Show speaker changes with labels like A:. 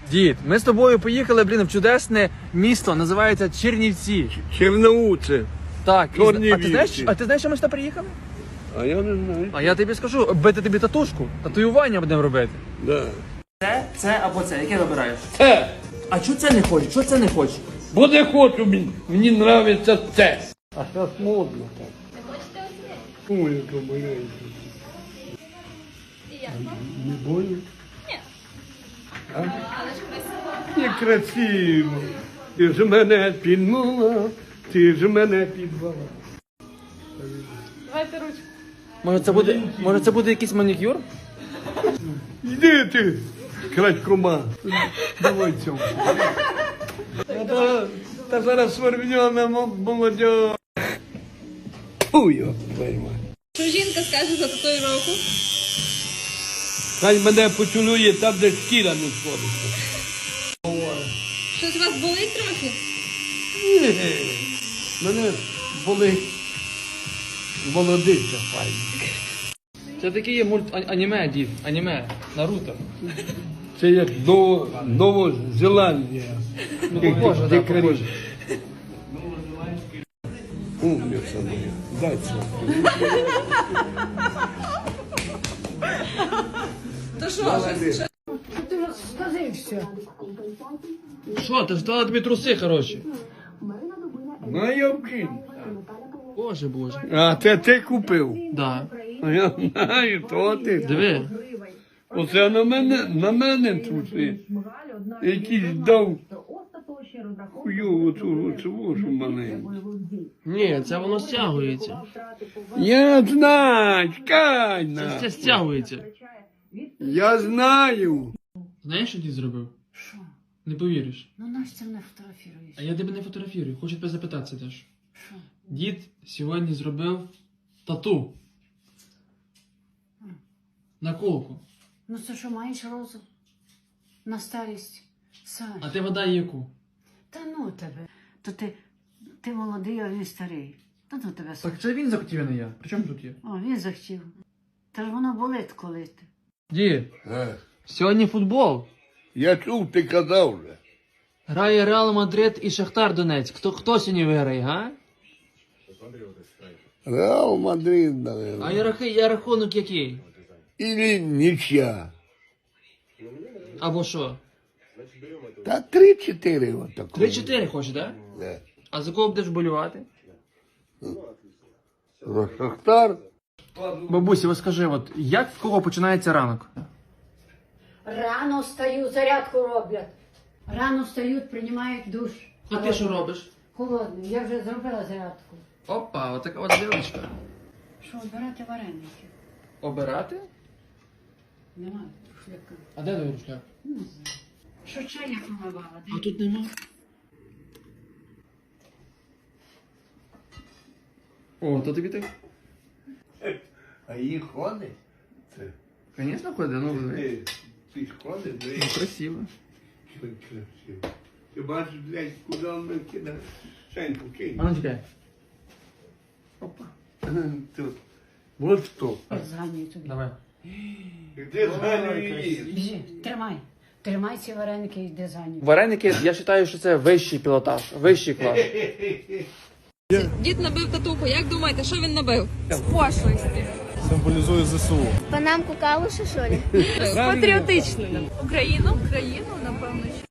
A: Дід, ми з тобою поїхали, в чудесне місто, називається Чернівці.
B: Черноуце.
A: Так,
B: Чернівці.
A: а ти знаєш, що ми сюди приїхали?
B: А я не знаю.
A: А я тобі скажу, бити тобі татушку, татуювання будемо робити.
B: Да.
A: Це або це, яке вибираєш?
B: Це.
A: А чого це не хочеш? Чого це не хочеш?
B: Бо не хочу, мені нравиться це. А зараз модно так.
C: Не хочете оце?
B: Ой, яка маленька.
C: І як?
B: Не больно?
C: Ні.
B: А?
C: Але ж красиво.
B: Некрасиво. Ти ж мене підмала, ти ж мене підвала.
C: Давайте ручку.
A: Може це буде якийсь манікюр?
B: Йди ти, крадькома. Давай цьому. Та зараз свербньона молодь. Фу, його пойма.
C: Що жінка скаже за татуїровку?
B: Хай мене поцілує там, де шкіра не сходиться.
C: Щось у вас болить трохи?
B: Ні, мене болить молодиця файна.
A: Це такий є аніме, дід, аніме, Наруто.
B: Це як Новозеландія.
A: Похоже, да,
B: Дикарі.
A: похоже.
B: Умниця моя. Дай це.
C: То що?
A: Що, ти ж дала тобі труси, хороші?
B: Ну, я вкину.
A: Боже.
B: А це ти купив?
A: Да.
B: А я знаю, то ти.
A: Диви.
B: Оце на мене труси. Якийсь дав хуйову цю маленьку.
A: Ні, це воно стягується.
B: Я знаю, чекай
A: Це
B: на.
A: стягується.
B: Я знаю.
A: Знаєш, що дід зробив?
D: Що?
A: Не повіриш.
D: Ну Настя не фотографіруєш.
A: А я тебе не фотографірую, хочу тебе запитатися теж.
D: Що?
A: Дід сьогодні зробив тату. На колку.
D: Ну це що, маєш розум? На старість? Сань.
A: А ти вода яку?
D: Та ну тебе. То ти молодий, а він старий. Та ну тебе, Сань.
A: Так це він захотів, а не я. При чому тут є?
D: О, він захотів. Та ж воно болить коли ти.
A: Дід, сьогодні футбол.
B: Я чув, ти казав вже.
A: Грає Реал Мадрид і Шахтар Донецьк. Хто сьогодні виграє, га?
B: Реал Мадрид, наверное.
A: А рахунок який?
B: Или нічя.
A: Або що?
B: Та 3-4 отако.
A: 3-4 хочеш, так?
B: Да.
A: А за кого будеш болювати?
B: За Шахтар.
A: Бабусі, ось скажи, от як в кого починається ранок?
D: Рано встаю, зарядку роблять. Рано встають, приймають душ.
A: А ти що робиш?
D: Холодний. Я вже зробила зарядку.
A: Опа, отака от дівчинка.
D: Що, обирати вареники?
A: Обирати?
D: Немає шляка.
A: А де твій рушляк?
D: Що чайник помивала?
A: А тут нема. О, то тобі так?
B: А її ходить? Це.
A: Звісно, ходить, ну
B: Ти ж ходиш,
A: ну, красиво.
B: красиво. Ти бачиш, блядь, куди він кидає? Шеньку кинь.
A: А ну чекай. Опа.
B: Тут. Вот що.
D: Зганюю тобі.
A: Давай.
B: Де зганює її?
D: Біжи, тримай. Тримай ці вареники і йди за ним.
A: Вареники, я вважаю, що це вищий пілотаж, вищий клас.
C: Дід набив татуху. Як думаєте, що він набив? З пошлості.
E: Символізує ЗСУ.
F: Панамку калуша, що ли?
C: Патріотичною. Україну, напевно, що.